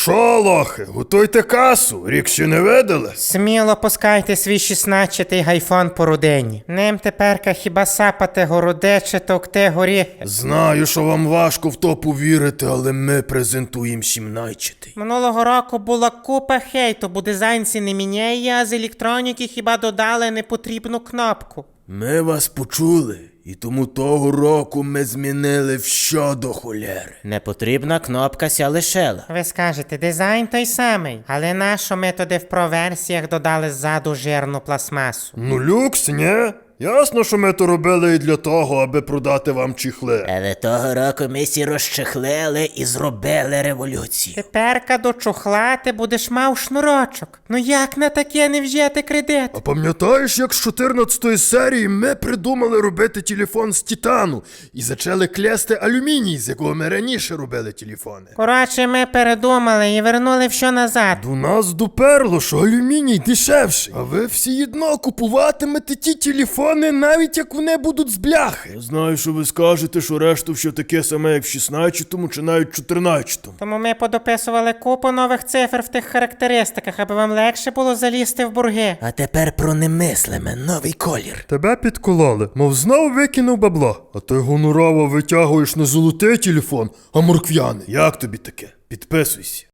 Шо, лохи, готуйте касу, рік ще не видали? Сміло пускайте свій 16-й гайфон по родині. Ним теперка хіба сапати городе чи товкти горіхи. Знаю, що вам важко в то повірити, але ми презентуємо 17-й. Минулого року була купа хейту, бо дизайнці не міняє, а з електроніки хіба додали непотрібну кнопку. Ми вас почули, і тому того року ми змінили все до холєри. Непотрібна кнопка ся лишила. Ви скажете, дизайн той самий, але нащо ми туди в проверсіях додали ззаду жирну пластмасу? Ну люкс, ні? Ясно, що ми то робили і для того, аби продати вам чіхли. Але того року ми сі розчехлили і зробили революцію. Теперка до чохла ти будеш мав шнурочок. Ну як на таке не взяти кредит? А пам'ятаєш, як з 14-ї серії ми придумали робити телефон з титану і зачали клясти алюміній, з якого ми раніше робили телефони? Коротше, ми передумали і вернули все назад. До нас доперло, що алюміній дешевший, а ви всі одно купуватимете ті телефони, навіть як вони будуть з бляхи. Я знаю, що ви скажете, що решту все таке саме, як в 16-му чи навіть 14-му. Тому ми подописували купу нових цифр в тих характеристиках, аби вам легше було залізти в борги. А тепер про немислиме, новий колір. Тебе підкололи, мов знов викинув бабло. А ти гонорово витягуєш не золотий телефон, а морквяний. Як тобі таке? Підписуйся.